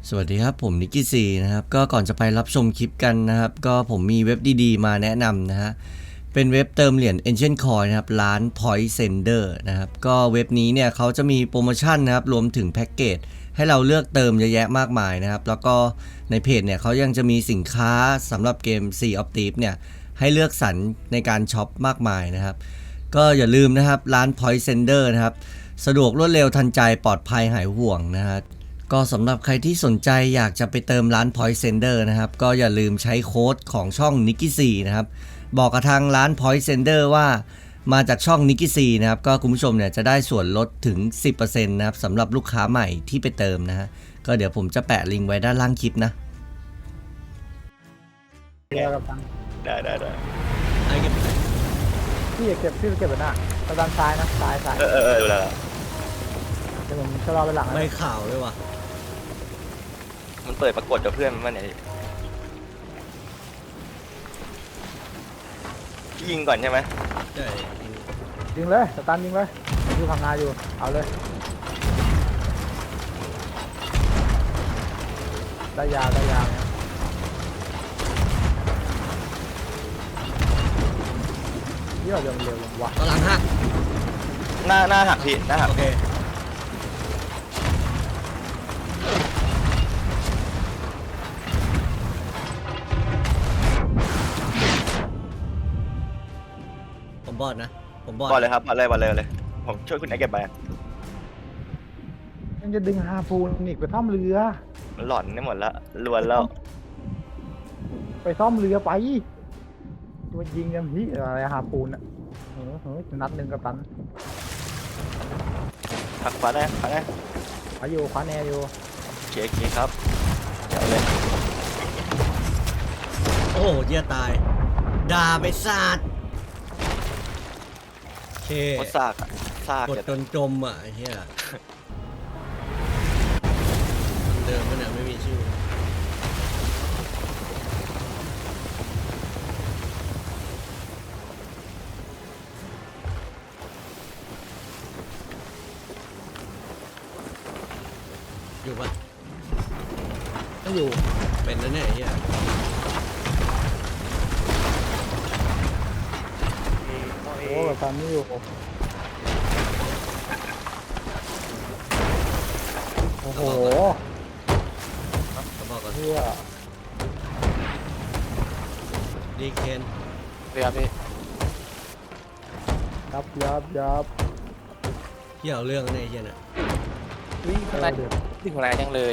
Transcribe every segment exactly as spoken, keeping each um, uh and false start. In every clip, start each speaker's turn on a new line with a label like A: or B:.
A: สวัสดีครับผมนิกกี้ซีนะครับก็ก่อนจะไปรับชมคลิปกันนะครับก็ผมมีเว็บดีๆมาแนะนำนะฮะเป็นเว็บเติมเหรียญ Ancient Coin นะครับร้าน Point Sender นะครับก็เว็บนี้เนี่ยเขาจะมีโปรโมชั่นนะครับรวมถึงแพ็กเกจให้เราเลือกเติมเยอะแยะมากมายนะครับแล้วก็ในเพจเนี่ยเขายังจะมีสินค้าสำหรับเกม Sea of Thieves เนี่ยให้เลือกสรรในการช็อปมากมายนะครับก็อย่าลืมนะครับร้าน Point Sender นะครับสะดวกรวดเร็วทันใจปลอดภัยหายห่วงนะฮะก็สำหรับใครที่สนใจอยากจะไปเติมร้าน Point Sender นะครับก็อย่าลืมใช้โค้ดของช่อง Nicky C นะครับบอกกับทางร้าน Point Sender ว่ามาจากช่อง Nicky C นะครับก็คุณผู้ชมเนี่ยจะได้ส่วนลดถึง สิบเปอร์เซ็นต์ นะครับสำหรับลูกค้าใหม่ที่ไปเติมนะฮะก็เดี๋ยวผมจะแปะลิงก์ไว้ด้านล่างคลิปนะ
B: เรือกับตัง
C: ได้ได้ได้
A: ไอ้เก็บ
B: พี่เก็บพี่เก็บไว้หน้าตะด้านซ้ายนะซ้ายซ้าย
C: เออเออเออดูแล้ว
B: เดี๋ยวผมจะรอไปหลัง
A: ไม่
B: นะ
A: ข่าวเลยว่ะ
C: มันเปิดปรากฏกับเพื่อนมันเนี่ยยิงก่อนใช่ไหม
A: ใช่
B: ยิงเลยตะตันยิงเลยอยู่ข้างหน้าอยู่เอาเลยได้ยาวได้ยาวเนี่ยเยี่ยมเร็วเร็ววะ
A: ตอนหลังหัก
C: หน้าหน้าหักพี่หน้าหัก
A: โอเคผมบอดนะผมบอด
C: บอลเลยครับบอลเลยบอลเลยบอลเลยผมช่วยคุณไอ้เก็บไป
B: ยังจะดึงฮาฟูนอีกไปซ่อมเรือ
C: มันหลอนได้หมดละลวนแล้ว
B: ไปซ่อมเรือไปตัวยิงกันพี่อะไรฮาฟูนอ่ะเออเออนัดหนึ่งกับตัน
C: หักขวาได้ขวาได้
B: ขวาอยู่ขวาแนวอยู่
C: เคลียร์เคลียร์ครับเดี๋ยวเลย
A: โอ้เหี้ยตายด่าไปสาดโอเค
C: โคตรซากอะซาก
A: กด
C: จะ
A: จนจมอ่ะไอ้เหี้ยเดิมมันเนี่ยไม่มีชื่ออยู่ปะ
B: ไม่อยู่
A: เป็นนั่นแน่ไอ้เหี้ย
B: โอ้กับตันไม่อยู่โอ้โห
A: กระบอกก่อน
B: เพื่อ
A: ดีเคน
C: เรียบพี่
B: ยับยับยับ
A: เหี้ยเอาเรื่องในไอ้เหี้ยน่ะ
D: วิ่ง
B: เอ
D: ข้าง
B: อ
D: ใน
B: เดี๋ยว
D: วิ่งข้างในจังเลย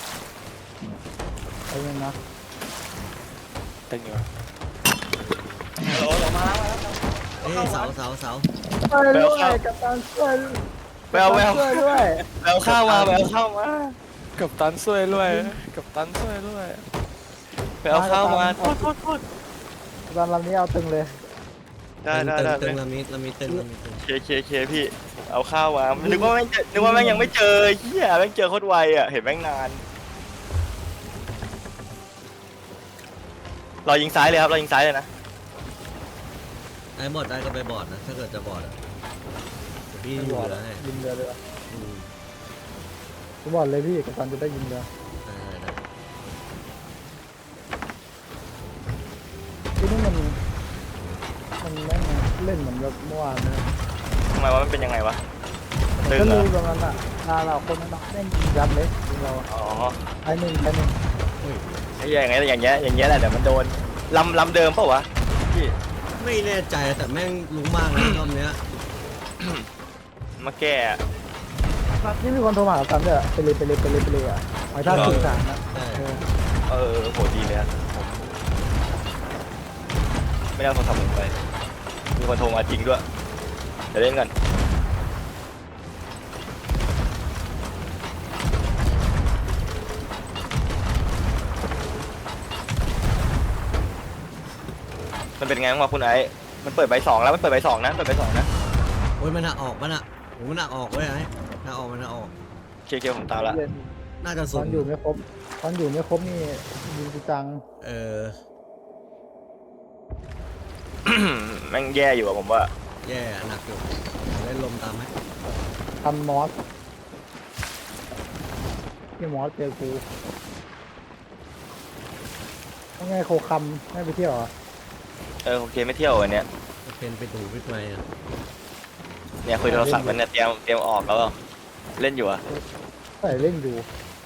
B: ไปยังนะ
D: ตึงอยู่
C: โหลลงมาแล้ว
A: เอ้ยเสาเสาเสา
B: ไปด้วยกับตันช่วย
C: แววแวว
B: ช่วยด้วย
C: แววเข้ามาแววเข้ามา
D: กับตันช่วยด้วยกับตันช่วยด้วย
C: แววเข้ามาโทษโทษโทษ
B: ตอนลำนี้เอาตึงเลย
C: ได้ได้
A: ตึง
C: ได้
A: ตึงลามิดลามิดตึงลามิดตึง
C: เคเคเคพี่เอาข้าวมานึกว่าแม่งเจอนึกว่าแม่งยังไม่เจอเฮียแม่งเจอโคตรไวอ่ะเห็นแม่งนานรอยิงซ้ายเลยครับรอยิงซ้ายเลยนะ
A: ไอ้บอดได้ก็ไปบอดนะถ้าเกิดจะบอดอ่ะเดี๋ยวพี่อยู่เหลือให้
B: ยิงเรือเลย
A: อืม
B: ผมบอกเลยพี่กับตันจะได้ยิงเรือ
A: ได้ได้ได้
B: ที่นี่มันมันแม่งเล่นเหมือนกับเมื่อวานนะ
C: ทำไมวะมันเป็นยังไงวะตึง
B: ก็
C: เหร
B: รู้
C: อ
B: ตรงนั้นอ่ะนาเราคนนั้นแม่งยิงยับเลยยิงเรา
C: อ๋อ
B: ไอ้หนึ่งไอ้หนึ่ง
C: ไอ้อย่างเงี้ยอย่างเงี้ยอย่างเงี้ยแหละเดี๋ยวมันโดนลำลำเดิมเปล่าวะพี่
A: ไม่แน่ใจแต่แม่งรู้มากนะรอบเนี้ย
C: มาแก้
B: นี่มีคนโทรมาหาตันด้วยไปเลยไปเลยไปเลยไปเลยอ่ะหมายท่าสื่อสารนะ
A: ใช่
B: เออ
C: เออโหดีเลยอะผมไม่ได้เอาโทรศัพท์ผมไปมีคนโทรมาจริงด้วยเดี๋ยวเล่นกันมันเป็นไงบ้างวะคุณไอ้มันเปิดใบสองแล้วมันเปิดใบสองนะเปิดใบสองนะ
A: โอ้ยมันหนักออกมันอ่ะโอ้มันหนักออกเว้ยไอ้หนักออกมันหนักออก
C: เคเคผมตามละ
B: เย็น
A: น่าจะ
B: ต
A: สุ
B: อ
A: ด
B: นอยู่ไม่ครบตอนอยู่ไม่ครบนี่ยิงจัง
A: เออ
C: แม่งแย่อยู่อะผมว่า
A: แย่หนักอยู่เล่นลมตามไหม
B: ทันมอสพี่มอสเจอกูว่าไงโคคำไม่ไปเที่ยวเหรอ
C: เออโอเคไม่เที่ยววันเนี้ย
A: เป็นไปดูวิทย์ไหมอ่ะ
C: เนี่ยคุยโทรศัพท์มันเนี่ยเตรียมเตรียมออกแล้วเปล่าเล่นอยู่อะ
B: ใส่เล่นอยู่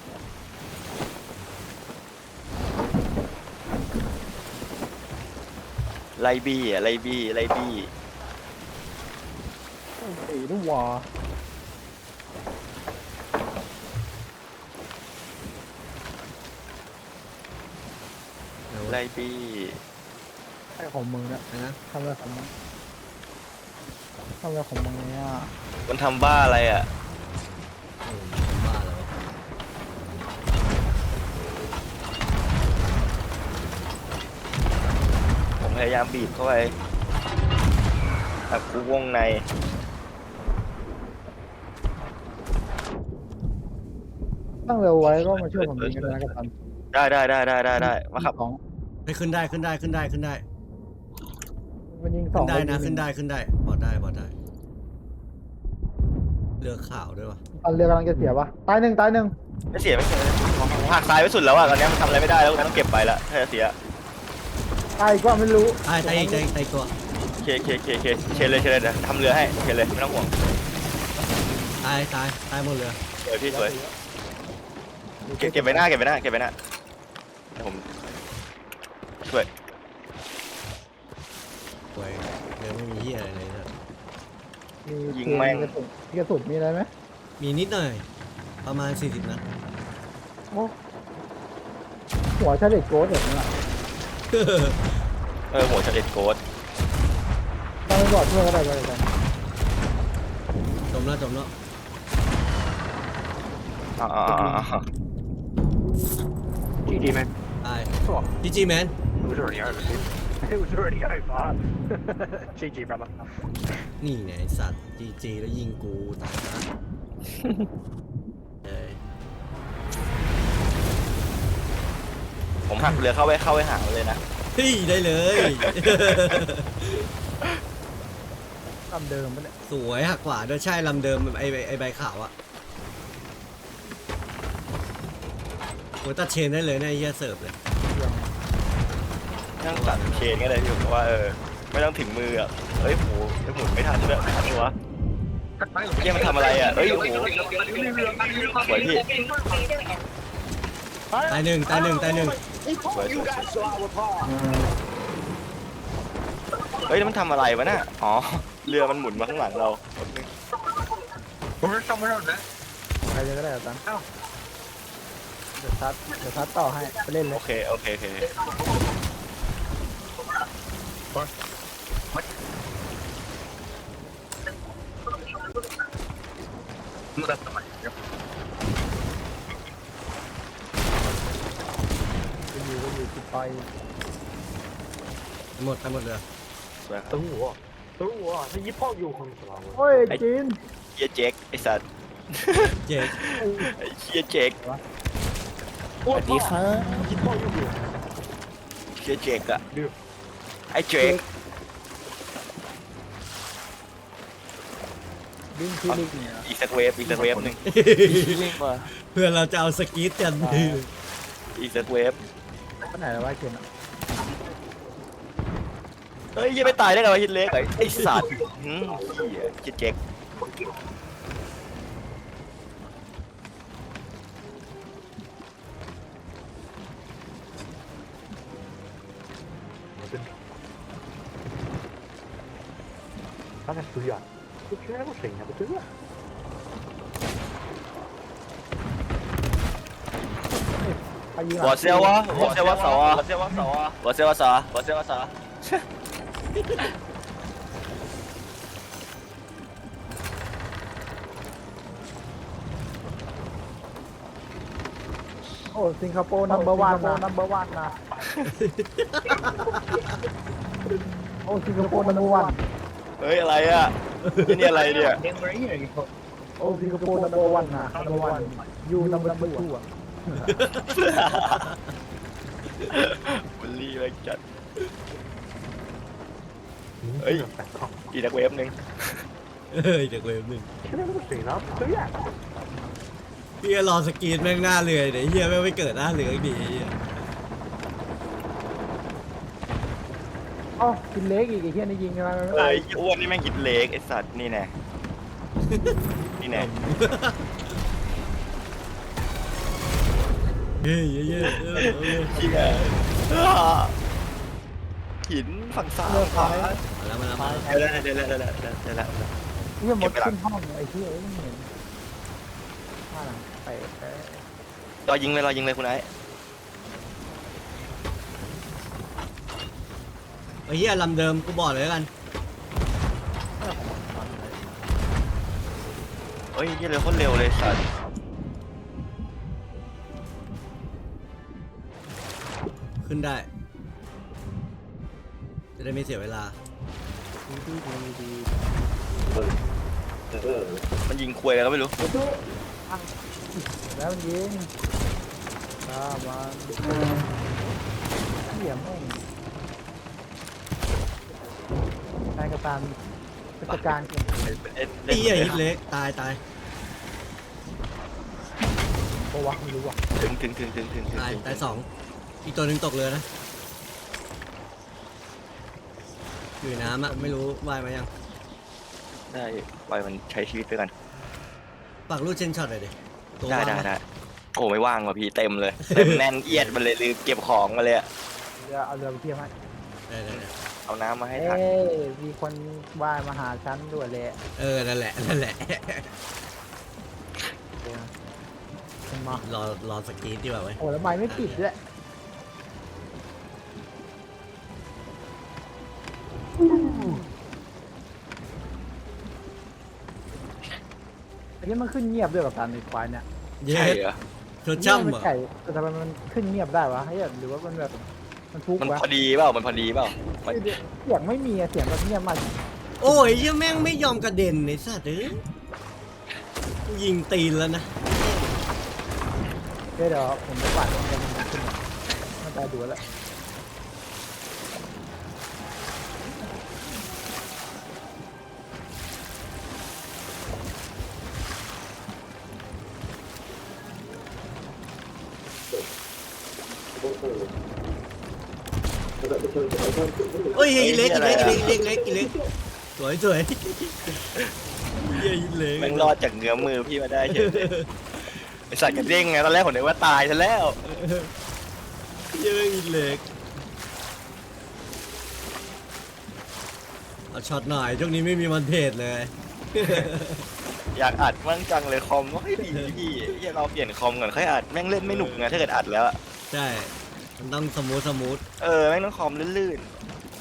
C: ไลบี้อะไลบี้ไลบี้
B: ไอ้ลูกวอ
C: ไลบี้
B: ไอ้ของมึงเนี่ย
A: นะ
B: ทำอะไรของมึงทำอะไรของมึงเนี่ย
C: มันทำบ้าอะไรอะ
A: โอ้บ้าแล้ววะ
C: ผมพยายามบีบเข้าไปแบบกูวงใน
B: ตั้งเร็วไว้ก็มาช่วยผมยิงกันนะกับตัน
C: ได้ได้ได้ได้ได้ได้มาขับ
B: สอง
A: ให้ขึ้นได้ขึ้นได้ขึ้นได้ขึ้นได้
B: มันยิงส
A: ขึ้
B: อง
A: นได้นะ
B: มัยิง
A: ขึ้นได้ขึ้นได้บอดได้บอดได้เรือขาวด้วยวะ
B: ตันเรือกำลังจะเสียปะตายหนึ่งตายหนึ่ง
C: ไม่เสียไม่เสียผมหักซ้ายไปสุดแล้วอะตอนนี้มันทำอะไรไม่ได้แล้วต้องเก็บไปละถ้าจะเสีย
B: ตายอีกว่าไม่รู้
A: ตายตายอีกตายอีกตายอีกตัว
C: เคเคเคเคเชนเลยเชนเลยเดี๋ยวทำเรือให้เชนเลยไม่ต้องห่วง
A: ตายตายตายหมดเรือ
C: สวยพี่สวยเก็บเก็บไปหน้าเก็บไปหน้าเก็บไปหน้าเดี๋ยวผมช่วย
A: สวยเรือไม่มีเหี้ยอะไรเลยนะ
B: มีกระสุนมีกระสุนมีอะไรไหม
A: มีนิดหน่อย ประมาณสี่สิบนัด
B: โอ้หัวชาเด็กโกดแบบนี้อ่ะ
C: เออหัวเฉลดโกด
B: ต้องไปบอกเพื่อนก็ได้เลยกัน
A: จมแล้วจมแล้ว
C: อ่าอ่าอ่าอ่า
E: G G, man.
A: ตาย
E: Cool.
A: จีจีแมน
E: It was already over, dude. It was already over. G G, brother.
A: นี่ไงไอ้สัตว์จีจีแล้วยิงกูตายนะเอ้ย
C: ผมหักเรือเข้าไปเข้าไปหามันเลยนะ
A: เฮ้ยได้เลย
B: ตามเดิมปะเนี่ย
A: สวยหักขวาด้วยใช่ลำเดิมไอไอ้ไอใบขาวอะโอ้ยตัดเชนได้เลยนะไอ้เหี้ยเสิร์ฟเลย
C: นั่งตัดเชนก็เลยพี่ผมว่าเออไม่ต้องถึงมืออ่ะเฮ้ยโหหมุนไม่ทันเลยทันวะเฮ้ยมันทำอะไรอ่ะเฮ้ยโหสวยพี่
A: ตายหนึ่งตายหนึ่งตายหนึ่ง
C: สวยสวยเฮ้ยแล้วมันทำอะไรวะน่ะอ๋อเรือมันหมุนมาข้างหลังเรา
E: We're somewhere out there.
B: ใครจะก็ได้กับตันเดี๋ยวทัดเดี๋ยวทัดต่อให้ไปเล่นเล
C: โอย เคโอเคโอเค
E: No, that's not mine. Yep.
B: ไปอยู่ไปอยู่ติดไป
A: หมดตายหมดเลย
C: สวยครับ
E: 等我，等我，他一炮就轰死了我。
B: โอ้ยจีน
C: เฮียเจ๊กไอสัตว์
A: เจ็ด
C: ไอ้เฮียเจ๊ก
E: 我操！一炮就给我。
C: เฮียเจ๊กอะ
E: 六。
C: ไอ้เจ๊ก
B: ดิ้งที่ลิงเนี่ย
C: อีกสักเวฟอีกสักเวฟหนึ่ง
D: ลิงมา
A: เพื่อนเราจะเอาสกีตกัน
C: อีกสักเวฟ
B: ไปไหนแล้ววะเคนอ่ะ
C: เฮ้ยยังไม่ตายได้ไงวะฮิตเล็กไอ้สัตว์หืมเฮียเฮียเจ๊ก
E: 刚才谁呀？这居然有声音，不对呀！
B: ใครยิง
C: 我
B: อ่ะ
C: 先我我先我手啊我先我手啊我先我手啊我先我手啊
B: โอ้สิงคโปร์นัมเบอร์วันนะนัมเบอร์วันนะโอ้สิงคโปร์นัมเบอร์วัน
C: เฮ้ยอะไรอ่ะนี่อะไรเนี่ย
B: โอ้สิงคโปร์นัมเบอร์วันนะนัมเบอร์วันยูนัมเบอร์ทูอ่ะ
C: บุลลี่ไปจัดเฮ้ยอีกสักเวฟหนึ่ง
A: เฮ้ยเด็กเวฟหนึ่ง
E: 现在这个水呢，不对呀！
A: พี่ก็รอสกรีนแม่งหน้าเรือเดี๋ยวเฮียแม่งไม่เกิดหน้าเรืออีกดีไอ้เหี้ย
B: เอ้ากินเล็กอีกไอ้เหี้ยนี่ยิงกันมาไม่
C: เอ้
B: ตาย
C: ยอ้วนนี่แม่งกินเล็กไอ้สัตว์นี่แน่นี่แน่
A: เฮ้ยเฮ้ยเฮ้ยเฮ้ยเฮ้ย
C: เชี่ยหินฝั่งซ้าย
B: เลิก
C: ขวา
B: ไป
A: มาแล้วมาแล้วมาแล้ว
C: เดี๋ยวแล้วเดี๋ยวแล้วเดี๋ยวแล้วเดี๋ยวแล้ว
B: เหี้ยหมดขึ้นห้องไอ้เหี้ยเอ้ยไม่เห็นว่าหลังไปไป
C: รอยิงเลยรอยิงเลยคุณไอ้
A: ไอ้เหี้ยลำเดิมกูบอกเลยแล้วกัน
C: เฮ้ยยี่เลยโคตรเร็วเลยสัตว์
A: ขึ้นได้ จะได้ไม่เสียเวลา
C: มันยิงควยอะไรก็ไม่รู้
B: แล้วมันยิงตามันเหี้ยแม่งนายกระตันราชการเก่ง
C: เอ็ด
A: ไอ้เหี้ยฮิตเล็กตายตาย
B: ปะวะไม่รู้ว่ะ
C: ถึงถึงถึงถึงถึงถึง
A: ตายตายสองอีกตัวหนึ่งตกเรือนะอยู่ในน้ำอะไม่รู้ว่ายมายัง
C: ได้ปล่อยมันใช้ชีวิตไปกัน
A: ปากรูดเชนช็อตเลยดิตัว
C: ได้
A: ว่าง
C: ได้
A: ปะ
C: ได้โอ้ไม่ว่างว่ะพี่เต็มเลยเต็มแน่นเอียดมันเลยลืมเก็บของมาเลยอะ
B: เรือเอาเรือไปเที่ยวให้
A: ได้ได้ได้
C: เอาน้ำมาให้
B: เอ้
C: ทัน
B: ยมีคนว่ายมาหาฉันด้วยแหละ
A: เออนั่นแหละนั่นแหละ
B: มันมาร
A: อรอสกรีนดีกว่าไว้ย
B: โอ้แล้วไม้ไม่ปิดด้วยอันนี้มันขึ้นเงียบด้วยกับการในควายเนี่ย
A: เย้
C: ใช่เหรอ
A: ชดช่ำ
B: มั
A: เหรอ
B: ไก่แต่ทำไมมันขึ้นเงียบได้วะเฮ้ยหรือว่ามันแบบมันทุกข์
C: มัน
B: วะ
C: พอดีเปล่ามันพอดีเปล่ามัน
B: เสียงไม่มีอะเสียงแบบเงียบมาก
A: โอ้ยเหี้ยแม่งไม่ยอมกระเด็นไอ้สัตว์เอ้ยกูยิงตีนแล้วนะ
B: เดี๋ยวเดี๋ยวผมจะปัดมันจะมันขึ้นมันตายดูแล้ว
A: เฮ้ยฮิตเล็กฮิตเล็กฮิตเล็กฮิตเล็กฮิตเล็กสวยสวยเหี้ยฮิตเล็ก
C: แม่งรอดจากเงื้อมมือพี่มาได้เฉยเลยไอสัตว์กระเด้งไงตอนแรกผมนึกว่าตายซะแล้ว
A: เหี้ยแม่งฮิตเล็กเอาช็อตหน่อยช่วงนี้ไม่มีมันเทศเลย
C: อยากอัดมั่งจังเลยคอมก็ไม่ดีพี่อยากเราเปลี่ยนคอมก่อนค่อยอัดแม่งเล่นไม่หนุกไงถ้าเกิดอัดแล้วอะ
A: ใช่มันต้องสมูทสมูท
C: เออแม่งต้องคอมลื่น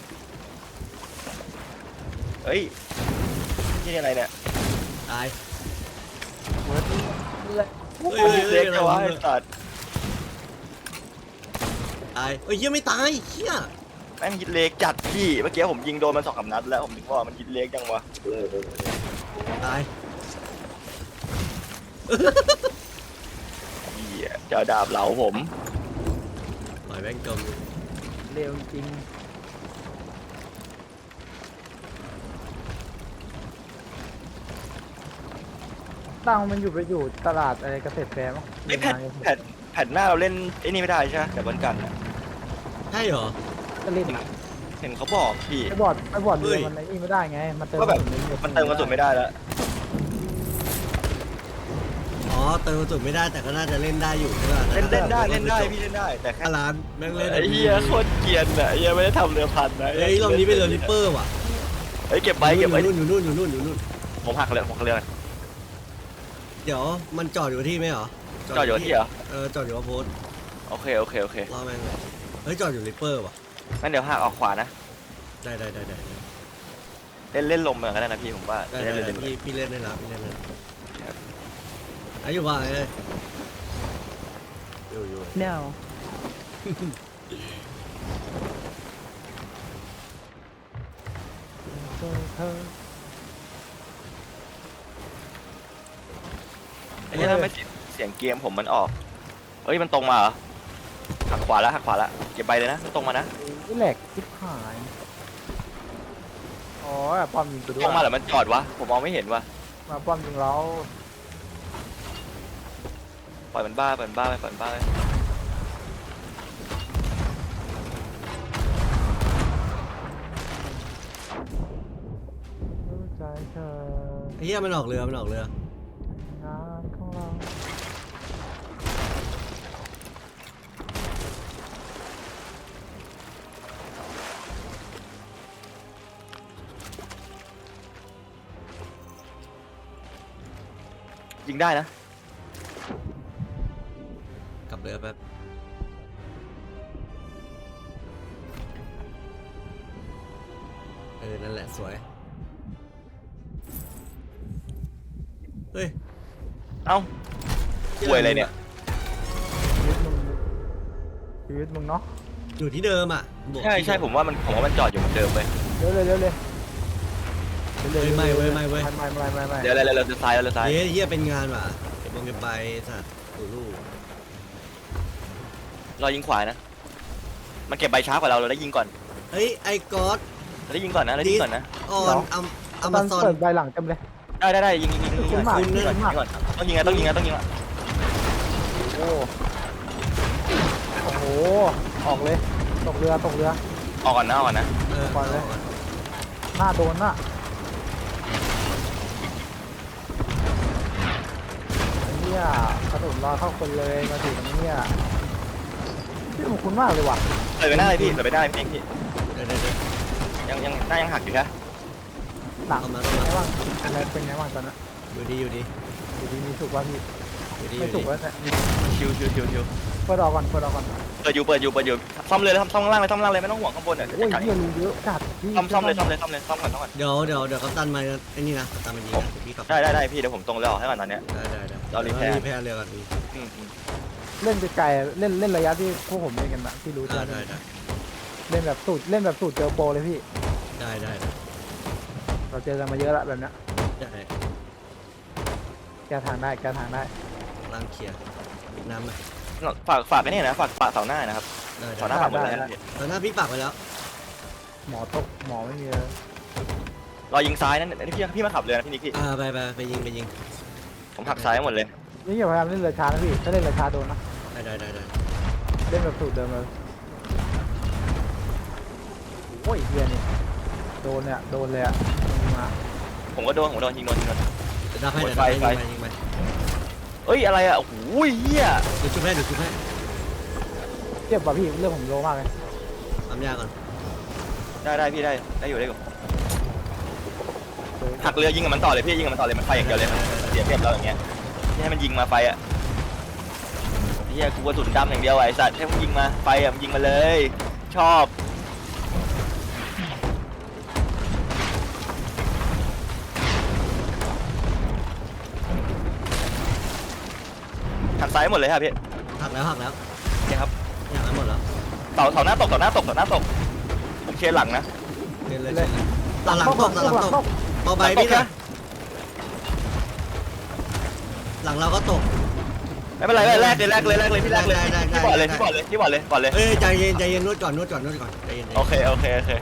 C: ๆเฮ้ยนี่อะไรเนี่ย
A: ตาย
B: เวิร์ดเลย
A: เฮ้ยเฮ้ย
C: เล็
A: เฮ้ย
C: กจังวะไอ้สัตว์
A: ตายเฮ้ยเหี้ยไม่ตายเหี้ย
C: แม่งยิดเล็กจัดพี่เมื่อกี้ผมยิงโดนมันสองสามนัดแล้วผมถึงว่ามันยิดเล็กจังวะ
A: ตาย
C: เหี้ยจะเอาดาบเหลาผม
A: ปล่อยแม่งจม
B: เร็วจริงตั้งมันอยู่ไปอยู่ตลาดอะไรเกษตรแฟร์มั้ง
C: ไอ้แผ่นแผ่นแผ่นหน้าเราเล่นไอ้นี่ไม่ได้ใช่ไหมแต่บนกันอะ
A: ใช่เหรอ
B: ก็เล่น
C: เห็นเขาบอกพี่
B: ไอ้บอร์ดไอ้บอร์ดเรือ
A: เฮ้ย
B: มันไอ้นี่ไม่ได้ไง มันเติม
C: ก็แบบ
B: กระสุน
C: มันเติมกระสุนไม่ได้แล้ว
A: อ๋อเติมกระสุนไม่ได้แต่ก็น่าจะเล่นได้อยู่ใช่ป่ะ
C: เล่นเล่นได้เล่นได้พี่เล่นได้แต่แค่
A: ถ้าร้านแม่งเล่น
C: ไอ้เหี้ยโคตรเกรียนอ่ะไอ้เหี้ยไม่ได้ทำเรือพันนะ
A: เฮ้ยรอบนี้เป็นเรือริปเปอร์ว่ะ
C: เฮ้ยเก็บไว้เก็บไว้
A: อยู่นู่นอยู่นู่นอยู่นู่นอยู่นู่น
C: ผมหักเลยผมหักเรือ
A: เดี๋ยวมันจอดอยู่ที่ไหมเหรอ
C: จอดอยู่ที่เหรอ
A: เออจอดอยู่ว่าโพสต์
C: โอเคโอเคโอเค
A: รอแม่งเลยเฮ้ยจอดอยู่ริปเปอร์ว่ะ
C: งั้นเดี๋ยวหักออกขวานะ
A: ได้ได้ได้ได้
C: เล่นเล่นลมเหมือนกันนะพี่ผมว่า
A: ได้
C: เล่น
A: ได้
C: เล่น
A: พี่พี่เล่นได้แล้วพี่เล่นได้แล้วไอ้อยู่ว่าไงเลยอยู่อยู่
B: no
C: ไอ้เหี้ยทำไมเสียงเกมผมมันออกเฮ้ยมันตรงมาเหรอหักขวาแล้วหักขวาแล้วเก็บใบเลยนะมันตรงมานะ
B: นี่แหลกทิพหายอ๋อป้อมยิงตัวด้ว
C: ต
B: ย
C: รงมาหรือมันจอดวะผมมองไม่เห็นวะ
B: มาป้อมยิงเรา
C: ปล่อยมันบ้าปล่อยมันบ้าไปปล่อยมันบ้าไป
B: รู้ใจเธอ
A: ไอ้เหี้ยมันออกเรือมันออกเรือง
B: านของเรา
C: ยิงได้นะ
A: กลับเรือแป๊บเออนั่นแหละสวยเฮ้ย
C: เอ้าป่วยอะไรเนี่ย
B: ชีวิตมึงชีวิตมึงเนาะ
A: อยู่ที่เดิมอ่ะบอก
C: ใช่ใช่ผมว่ามันผมว่ามันจอดอยู่เหมือนเดิมไป
B: เร็วเลยเร็วเลยเร็ว
A: เฮ้ยไม่เว้ยไม่เว้ย
B: ไม่ไม่ไม่ไม่
C: เดี๋ยวเดี๋ยวเดี๋ยวเราจะซ้ายเราจะซ้าย
A: เฮ้ยเหี้ยเป็นงานว่ะเก็บลงเก็บไปสัตว์ตูลูก
C: เรายิงขวานะ มันเก็บใบช้ากว่าเราเราได้ยิงก่อน
A: เฮ้ยไอ้ก๊อต
C: เราได้ยิงก่อนนะเราได้ยิงก่อนนะ
A: ออนอัมอัม
B: ตอน
A: ซอน
B: เปิดใบหลังเต็มเลย
C: ได้ได้ได้ยิงยิงยิงยิงยิง
B: คุณหมาก
C: ยิงก่อน
B: คุณหมาก
C: ยิงก่อนต้องยิงไงต้องยิงไงต้องยิงอ่ะ
B: โอ้โอ้โหออกเลยตกเรือตกเรือ
C: ออกก่อนนะออกก่อนนะ
A: เออ
B: ก่อนเลย หน้าโดนน่ะไอ้เนี่ยกระสุนรอเข้าคนเลยมาถึงตรงนี้เนี่ยพี่ผมคุ้นมากเลยว่ะ
C: เลยไปหน้าเลยพี่เลยไปหน้าพี่พี่
A: เดี๋ยวเดี๋ยวเดี๋ยว
C: ยังยังหน้ายังหักอยู่นะ
B: หลัง
A: เข้ามา
B: เป็น
A: เข้า
B: ไง
A: มา
B: บ้างอะไรเป็นไงบ้างตอนนั้น
A: อยู่ดีอยู่ดี
B: อยู่ดีมีสุกว่าพี่
A: อยู่ดีอ
B: ไม่
A: ยู่
B: สุ
A: ดี
B: กแล้วเนี่ย
C: ชิวชิวชิวชิว
B: เปิดออกก่อนเปิดออกก่อน
C: เปิดอยู่เปิดอยู่เปิดอยู่ซ่อมเลยซ่อมซ่อมข้างล่างเลยซ่อมข้างล่างเลยไม่ต้องห่วงข้างบนอ่ะ
B: โอ้ยเฮียรูเยอะจัดพี่
C: ซ่อมซ่อมเลยซ่อมเลยซ่อมเลยซ่อมก่อนซ่อมก่อน
A: เดี๋ยวเดี๋ยวเดี๋ยวกัปตันมาไอ้นี่นะกัปตันมายิงนะเดี๋ยวพี่ขับ
C: ได้ได้ได้พี่เดี๋ยวผมตรงแล้วออกให้ก่อนตอนเนี้ย
A: ได้ได้ได้
C: เรารีแพร์
A: รีแพร์เรือก่อนพี่
C: อืมอืม
B: เล่นไกลๆเล่นเล่นระยะที่พวกผมเล่นกันนะที่รู้
A: ได้
B: จัก
A: ได้ได้
B: เล่นแบบสูตรเล่นแบบสูตรเจอโปรเลยพี่
A: ได้ได้ได้
B: เราเจอกันมาเยอะแล้วแบบเนี้ย
A: ได้
B: แก้ทางได้แก้ทางได้
A: ล้างเคลียร์ปิดน้ำไหม
C: ฝากฝากไอ้นี่นะฝากฝากเสาหน้านะครับ
A: ได้
C: เสาห
A: ได้
C: น้าฝากหมดเลยนะพี่
A: ตอนหน้าพี่ปักไปแล้ว
B: หมอตกหมอไม่มีเลย
C: รอยิงซ้ายนั่นนี่พี่พี่มาขับเรือนะพี่นิกพี่
A: อ่าไปไปไปยิงไปยิง
C: ผมหักซ้ายหมดเลย
B: นี่อย่าพยายามเล่นเรือช้านะพี่ถ้าเล่นเรือช้าโดนนะ
A: ได้ได้ได้ได้
B: เล่นแบบสูตรเดิมเลยโอ้ยเฮียนี่โดนเนี่ยโดนเลยอ่ะยิงมา
C: ผมก็โดนผมโดนยิงโดนยิงโดน
A: เดี๋ยวดับให้
C: หมด
A: เดี๋ยวดับให้
C: ไฟ
A: ยิงไปยิงไป
C: เอ้ยอะไรอ่ะโอ้โหเหี้ย
A: เดี๋ยวชุบให้เดี๋ยวชุบให้
B: เจ็บป่ะพี่เรื่องผมโลมากเลย
A: ทำยาก่อน
C: ได้ได้พี่ได้ได้อยู่ได้อยู่หักเรือยิงกับมันต่อเลยพี่ยิงกับมันต่อเลยมันไฟอย่างเดียวเลยเสียเปรียบเราอย่างเงี้ยที่ให้มันยิงมาไฟอ่ะเฮียกูกระสุนดำอย่างเดียวไอ้สัตว์ให้มันยิงมาไฟอ่ะมันยิงมาเลย ชอบหักซ้ายหมดเลยครับพี่
A: หักแล้วหักแล้ว
C: นี่ครับ
A: หักแล้วหมดแล้ว
C: เสาเสาหน้าตกเสาหน้าตกเสาหน้าตกผมเคลียร์หลังนะ
A: เล่นเลยเล่นเลยตาหลังตกตาหลังตกเบาใบ
C: หลังตก
A: พี่นะ
C: นะ
A: หลังเราก็ตก
C: ไม่เป็นไรแรกเลยแรกเลยแรกเลยพี่แรกเลย
A: ได้ได้ได้
C: พี่บอดเลย
A: ได้
C: พี่บอดเลยพี่บอดเลยบอดเลย
A: เอ้ยใจเย็นใจเย็นนวดก่อนนวดก่อนนวดก่อนใจเย็นใจ
C: โอ
A: เย็น
C: เคโอเคโอเค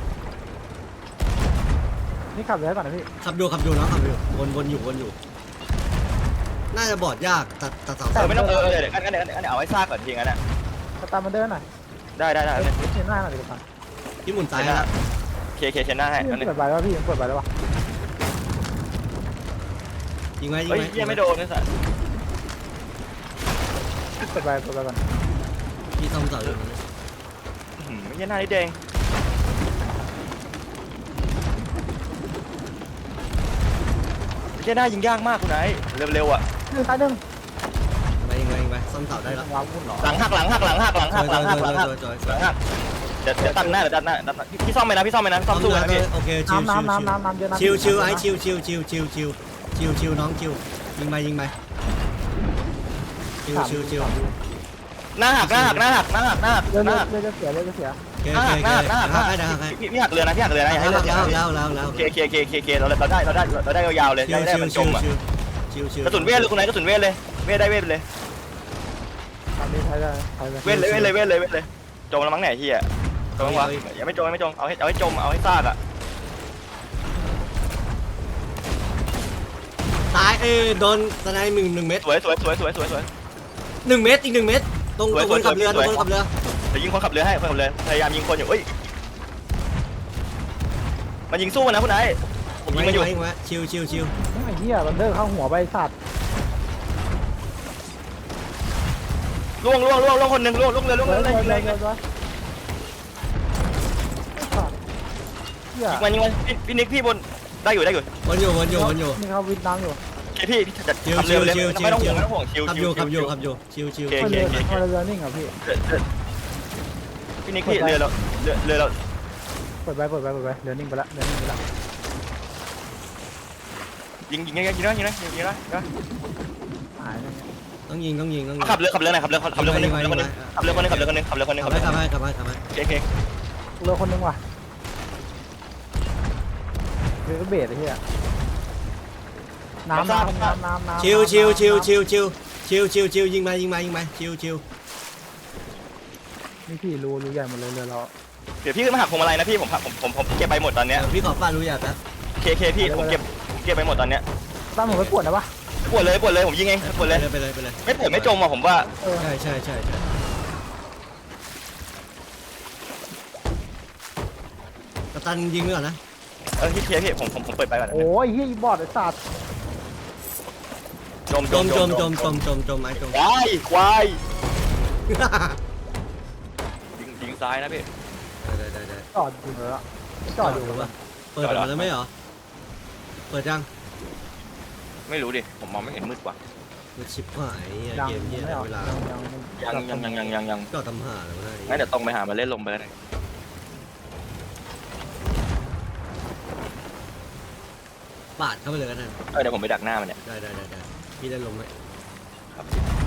B: นี่ขับเรือก่อนนะพี่
A: ขับดูขับดูน้องขับดูวนวนอยู่วนอยู่ น่าจะบอดยากตัดตัดเสา
C: เออไม่ต้องเออเออเดี๋ยวกันกันเดี๋ยวกันเดี๋ยวเอาไว้ซากก่อนทีงั้นอ่ะ
B: สตาร์มันเดินหน่อย
C: ได้ได้ได้
B: เอ้ยเชนหน้าหน่อยดีกว่า
A: ที่หมุน
C: เช
A: ซ้าย
C: นหน้า
A: นะ
C: เคเคเชนหน้าให้
B: พี่
C: นั่น
B: มัน
C: นี่
B: เปิดใบแล้วพี่มันเปิดใบแล้ววะ
A: ยิงไหมยิง
C: เฮ้ย
A: ไหม
C: เฮียไม่โดนนะสัตว์
B: เปิดใบเปิดใบก่อน
A: พี่ซ่อมเสาอยู่นะ
C: หืมเฮียหน้านี่แดงเฮียหน้ายิงยากมากคุณไอ้เร็วๆอ่ะ
B: หนึ่งตายหนึ่ง
A: ไปยิงไปยิงไปซ่อมเสาได้แล้ว
B: ว้าววุ่นเหรอ
C: หลังหักหลังหักหลังหักหลังหักหลังหักหลังหัก
A: จอยจอย
C: หลังหักเดี๋ยวเดี๋ยวตัดหน้าเดี๋ยวตัดหน้าตัดหน้าพี่พี่ซ่อมไปนะพี่ซ่อมไปนะซ่อมสู้นะพี่
A: โอเคชิว
B: น้ำน้ำน้ำน้ำน้ำเยอะนะ
A: ชิวชิวไอ้ชิวชิวชิวชิวชิวชิวชิวน้องชิวยิงไปยิงไปชิวชิวชิว
C: หน้าหักหน้าหักหน้าหักหน้าหักหน้าหัก
B: เรือ
C: ห
B: เรื
C: น้า
B: อ
C: หัก
B: เรือจะเสียเรือจะเสีย
A: โอเค
C: หน้า
A: โอ
C: หัก
A: เค
C: หน้าหักหน้าหัก
A: หักให้ได้หักให้
C: พี่พี่หักเรือนะพี่หักเรือนะอย่าให้
A: แล้
C: เรือ
A: ว
C: เสีย
A: แล้วแล้วแล้ว
C: เคเคเคเคเคเราเราได้เราได้เราได้ยาวๆเลย
A: ชิว
C: ได้
A: ชิว
C: มันจ
A: ชิว
C: มอ่ะ
A: ชิวชิวชิว
C: กระสุนเวทเลยคุณนายกระสุนเวทเลยเวทได้เวทเลย
B: อันนี้ใช้ได้ใช้ได้
C: เวทเลยเวทเลยเวทเลยเวทเลยจมแล้วมั้งไหนที่อ่ะจมวะอย่าไม่จมไม่จมเอาให้เอาให้จมเอาให้ซากอ่ะ
A: ตายเอ้โดนสไนหนึ่งหนึ่งเม็ด
C: สวยสวยสวยสวยสวยสวย
B: ม
A: หนึ่งเมตรอีกหนึ่งเมตรตรงตรงคนขับเรือตรงคนขับเรือ
C: เดี๋ยวยิงคนขับเรือให้คนขับเรือพยายามยิงคนอยู่เอ้ยมันยิงสู้นะคุณนายผมยิงมันอยู่
A: ยิงไว้ชิวชิวชิว
B: ไอ้เหี้ยบันเดอร์เข้าหัวไปสัตว์
C: ล่วงล่วงล่วงล่วงคนหนึ่งล่วงล่วงเรือล่วง
B: เล
C: เรื
B: ย
C: อ
B: เล
C: ยิ
B: ย
C: ง
B: เล
C: เลย ย
B: เหี้ย
C: มันยิงมันพี่พี่นิกพี่บนได้อยู่ได้อยู่
A: วนอยู่วนอยู่วนอยู่
B: นี่เขาวิดน้ำอยู่
C: โอเคพี่จัดขับเรือเลยไม่ต้องห่วงไม่ต้องห่วงชิว
A: ขับ
C: ชิ
A: อยู่
C: ว
A: ขับอยู่ขับอยู่ชิวชิว
C: โอเค
B: เรือเรือนิ่งอ่ะพี่
C: พี่นิกพี่เรือเราเรือเรือเรา
B: เปิดไปเปิดไปเปิดไปเรือนิ่งไปละเรือนิ่งไปละ
C: ยิงยิงยิงยิงนะยิงนะยิงนะ
B: หายแล้ว
A: ต้องยิงต้องยิงต้องยิง
C: ขับเรือขับเรือไหนขับเรือขับเรือคนนึงขับเรือคนนึงขับเรือคนนึงขับเรือคนนึงขับเรือคนนึง
A: ขั
C: ขั
A: บบ ไป
C: เรือ
A: ขับไปขับไปขับไป
C: โอเค
B: เรือคนนึงว่ะเรือเบสไอ้เหี้ยน้ำน้ำน้ำน้ำน้ำ
A: ชิวชิวชิวชิวชิวชิวชิวชิวยิงมายิงมายิงมาชิวชิว
B: นี่พี่รูรูใหญ่หมดเลยเรือเรา
C: เดี๋ยวพี่ขึ้นมาหักพวงมาลัยนะพี่ผมผมผมผมเก็บไปหมดตอนเนี้ย
A: พี่ขอฟาดรู้อยากนะ
C: เคเคพี่ผมเก็บผมเก็บไปหมดตอนเนี้ย
B: ตั้งผมไปปวดนะปะ
C: ปวดเลยปวดเลยผมยิงเองปวดเลย
A: ไปเลยไปเลย
C: ไม่ปวดไม่จมอ่ะผมว่า
B: เออ
A: ใช่ใช่ใช่ใช่กัปตันยิงด้วยนะ
C: เออพี่เคพี่ผมผมผมเปิดไปก่อน
B: โอ้ยเฮียอีบอดไอ้สัตว์
C: จม
A: จมจมจมจมจมจมไม้จม
C: ควายควายยิงยิงซ้ายนะพี่
A: ได้ได้ได้
B: จอดอยู่แล้วจอดอยู่
A: หรือเปล่าเปิดมาแล้วไม่เหรอเปิดยัง
C: ไม่รู้ดิผมมองไม่เห็นมืดกว่า
A: มันชิปหาย
B: ยัง
A: เกมเยี่ย
B: ไม่ออก
A: เวลา
B: ยัง
C: ยังยังยังยังยังยัง
A: ก็ทำหาแล้วได้
C: งั้นเดี๋ยวตรงไปหามาเล่นลมไปแล้วกัน
A: ปาดเข้าไปเลยกันนะ
C: เออเดี๋ยวผมไปดักหน้ามันเนี่ย
A: ได้ได้ได้ได้พี่ได้ลงไหม
C: ครับ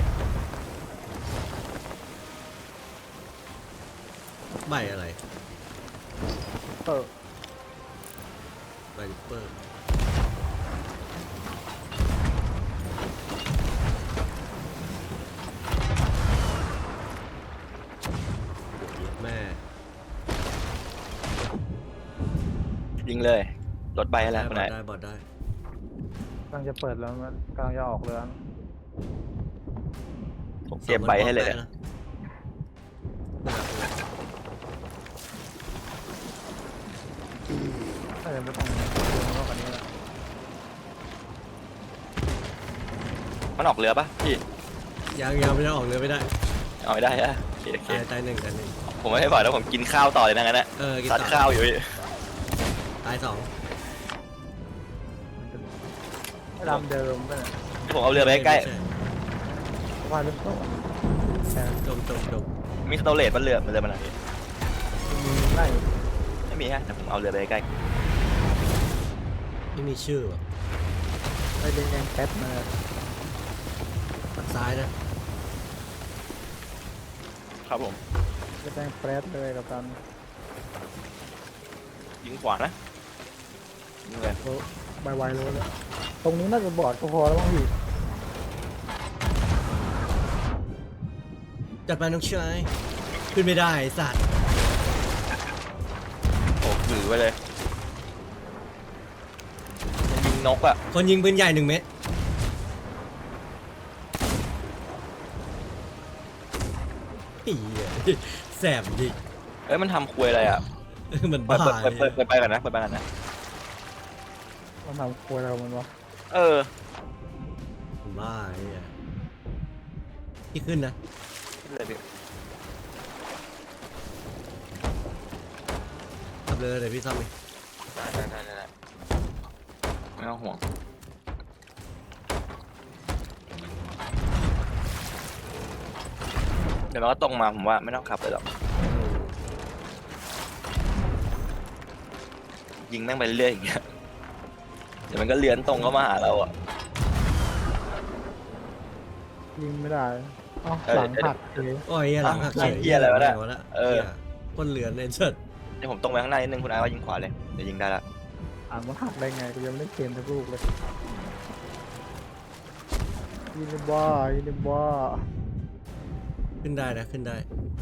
A: ใบอะไร
B: เออ
A: ใบลิปเปอร์แม่
C: ยิงเลยรถใบอะไร
A: ได้
C: คน
A: บ
C: ไหน
A: อดได้บอดได้
B: กำลังจะเปิดแล้วมันกำลังจะออกเรือ
C: ผมเก็บใบให้เลยเนี่ย
B: ถ้าจะไม่ต้องเรือมากกว่านี้แล้ว
C: มันออกเรือปะพี่
A: ยังยังไม่ได้ออกเรือไม่ได้
C: เอาไม่ได้ฮะโอเคโอเค
A: ตายตายหนึ่งตายหนึ่ง
C: ผมไม่ได้บอกแล้วผมกินข้าวต่อเลยนะงั้นนะ
A: เออกิน
C: ซัด
A: ต่อ
C: ข้าวอยู่พี่
A: ตายสอง
B: ไม่ดำเดิมไปเลย
C: ผมเอาเรือไปใกล้
B: ว่าลึกโซ่แต่
A: จมจมจม
C: ๆมีสโตเลตบนเรือมันเรือมันอะไร
B: ไล่
C: ไม่มีฮะแต่ผมเอาเรือไปใกล้
A: ไม่มีชื่อว่ะ
B: ไล่แดงๆแป๊บมา
A: ฝั่งซ้ายนะ
C: ครับผม
B: แดงแป๊บเลยกับกัน
C: ยิงขวานะยิงเลย
B: โอ้ใบไวเลยเลยตรงนี้น่าจะบอดก็พอแล้วมั้งพี่
A: จัดไปน้องชายขึ้นไม่ได้ไอ้สัตว์
C: โอ้ถือไว้เลยยิงนกอะ
A: คนยิงปืนใหญ่หนึ่งเม็ดอีแสบดิ
C: เอ้ยมันทำควยอะไรอะ
A: มัน
C: เปิ
A: บ้า
C: ดเปิดเปิดเปิดเปิดไปกันนะเปิดไปกันนะ
B: มันทำครัวเรามันวะ
C: เออ
A: มันบ้าไอ้เหี้ยพี่ขึ้นนะ
C: เลยพี่
A: ขับเลยเดี๋ยวพี่ซ่อมเอง
C: ได้ได้ได้ได้ไม่ต้องห่วงเดี๋ยวมันก็ตรงมาผมว่าไม่ต้องขับเลยหรอกยิงแม่งไปเรื่อยๆอย่างเงี้ยเดี๋ยวมันก็เลื้อนตรงเข้ามาหาเราอ่ะ
B: ยิงไม่ได้อ๋อ
C: เออ
B: หลังหักเลย
A: โอ้ยเหี้ยหลังหัก
C: หลังเหี้ยอะไรวะเนี่ยเออ
A: คนเหลือนในเชิด
C: เดี๋ยวผมตรงไปข้างหน้านิดนึงคุณอาว่ายิงขวาเลยเดี๋ยวยิงได้ละ
B: อ่านมันหักได้ไงกูยังไม่ได้เกมสักลูกเลยยิงในบ้ายิงในบ้า
A: ขึ้นได้นะขึ้นได้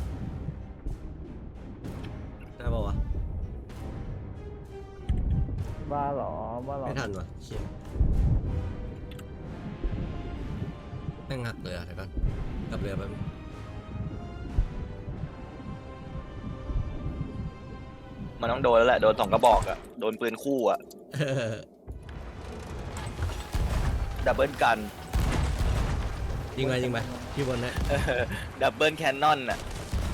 A: ได้ป่าวะ
B: บ้าเหรอบ้าเหรอ
A: ไม่ทันวะเชี่ยแม่งหักเลยอ่ะเดี๋ยวก่อนกลับเรือแป๊บนึง
C: มันต้องโดนแล้วแหละโดนสองกระบอกอะโดนปืนคู่อะ
A: เออ
C: ดับเบิลกัน
A: ยิงไปยิงไปพี่บนนะ
C: ดับเบิลแคนนอนอะ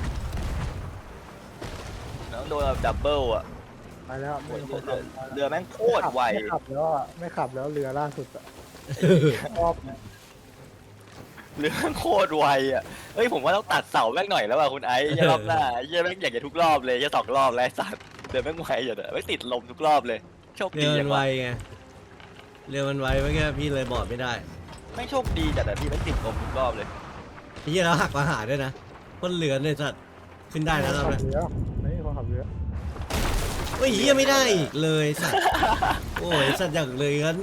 C: ต้องโดนแบบดับเบิลอะ
B: ไปแล้วไม่มีคนขับ
C: เรือแม่งโคตรไว
B: ไม่ขับแล้วอะไม่ขับแล้วเรือล่าสุดอะรอบเนี่ย
C: เรือแม่งโคตรไวอะเฮ้ยผมว่าต้องตัดเสาแม่งหน่อยแล้วว่ะคุณไอ้เหี้ยรอบหน้าเหี้ยแม่งอยากจะทุกรอบเลยจะสองรอบแล้วไอ้สัตว์เรือแม่งไวอยู่เด้อไม่ติดลมทุกรอบเลยโชค
A: เรื
C: ดี
A: อมั
C: จั
A: น
C: ง
A: ไว
C: วะ
A: ไงเรือมันไวเมื่อกี้พี่เลยบอดไม่ได้
C: ไม่งโชคดีจัดอะพี่ไม่ติดลมทุกรอบเลย
A: พี่แล้วหักมาหาด้วยนะคนเรือเนี่ยสัตว์ขึ้นได้นะเรา
B: ขั
A: เนี่ย
B: บเรือไม่มีคนขับเรือ
A: เฮ้ยเฮียไม่ได้อีกเลยสัตว์โอ้ยสัตว์อย่างเลยงั้น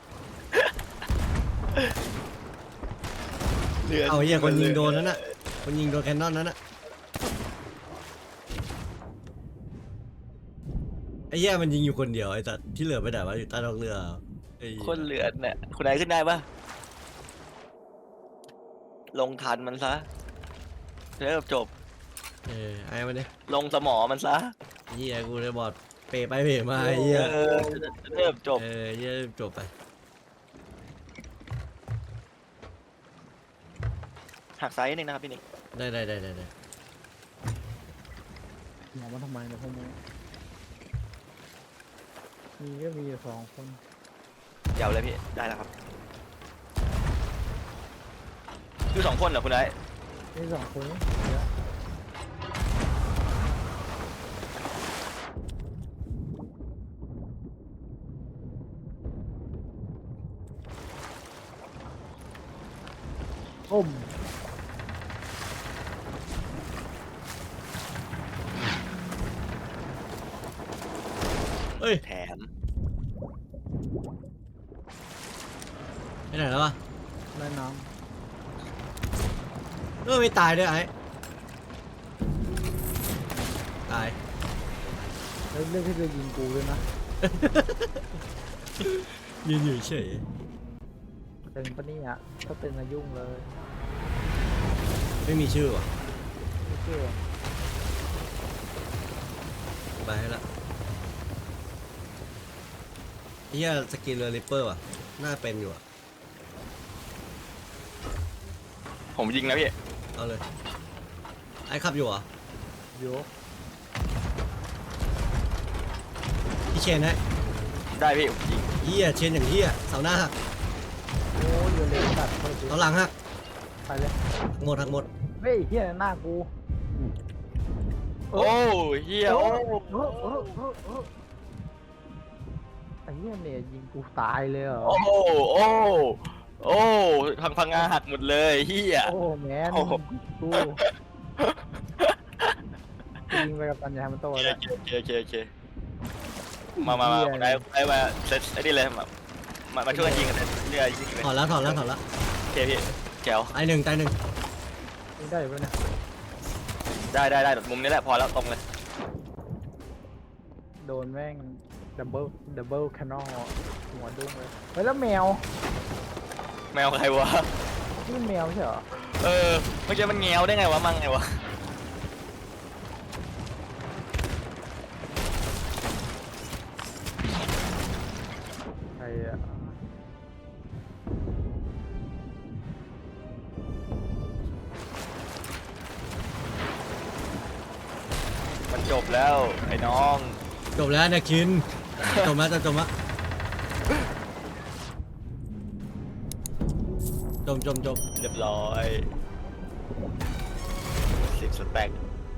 C: เรือ
A: เอาเฮียคนยิงโดนนั่นน่ะคนยิงโดนแคนนอนนั่นน่ะไอ้เหี้ยมันยิงอยู่คนเดียวไอ้สัตว์ที่เหลือไปไหนวะอยู่ใต้ท้องเรือไอ้เหี้ย
C: คนเหลือเนี่ยคุณไอ้ขึ้นได้ปะลงทันมันซะเริ่มจบ
A: เออไอ้มาดิ
C: ลงสมอมันซะ
A: เฮียกูเลยบอดเปไปเปมาไอ้เฮีย
C: เออเริ่มจบ
A: เออเฮียจบไป
C: หักซ้ายนิดนึงนะครับพี่นิก
A: ได้ได้ได้ได้ได้
B: หมอมาทำไมเนี่ยพวกมึงมีก็มีอยู่สองคน
C: เดี๋ยวเลยพี่ได้แล้วครับคือสองคนเหรอคุณไอ้
B: นี่สองคนนี่เรือก้ม
A: เฮ้ย
C: แถม
A: ไปไหนแล้ววะ
B: แม่น้
A: เออไม่ตายด้วยไอ้ตาย
B: ำแล้วเรื่องที่เรือยิงกูด้วยนะ
A: ยืนอยู่เฉย
B: ตึงปะเนี่ยถ้าตึงอะยุ่งเลย
A: ไม่มีชื่อว่ะ
B: ไม่เชื่อ
A: ไปให้ละเฮียสกินเรือริปเปอร์ว่ะน่าเป็นอยู่อ่ะ
C: ผมยิงนะพี่
A: เอาเลยไอ้ขับอยู่เหรอ
B: โยก
A: พี่เชนฮะ
C: ได้พี่ผมยิง
A: เฮียเชนอย่างเฮียเสาหน้าหัก
B: โอ้ยเรือเล็กตัดเข้าไป
A: เสาหลังหัก
B: ไปเลย
A: หมดหักหมด
B: เฮ้ยเฮียหน้ากู
C: โอ้เฮียโอ้
B: เออเออเออเออไอ้เหี้ยเนี่ยยิงกูตายเลยเหรอ
C: โอ้โอ้โอ้ทางพังงาหักหมดเลยเฮีย
B: โอ้แมน
C: โอ้โห
B: กูยิงไปกับตันยามันโต
C: โอ
B: แล้ว
C: เคโอเคโอเคโอเคมามามาคุณไอ้ไอ้มาเซตไอ้นี่เลยมามามาช่วยกันยิงกันเลยเรือยิงเลย
A: ถอดแล้วถอดแล้วถอดแล้ว
C: โอเคพี่แจ๋ว
A: ไอ้หนึ่งตายหนึ่ง
B: ยิงได้อยู่ปะเนี่ย
C: ได้ได้ได้มุมนี้แหละพอแล้วตรงเลย
B: โดนแม่งดับเบิลดับเบิลแคนนอลหัวดุ้งเลยเฮ้ยแล้วแมว
C: แมวใครวะ
B: นี่มันแมวใช่เหรอ
C: เออเมื่อกี้มันเงี้ยวได้ไงวะมั่งไงวะ
B: ใครอะ
C: มันจบแล้วไอ้น้อง
A: จบแล้วนะคินจบแล้วจะจบแล้วจมจมจม
C: เรียบร้อยสิบสแต็ก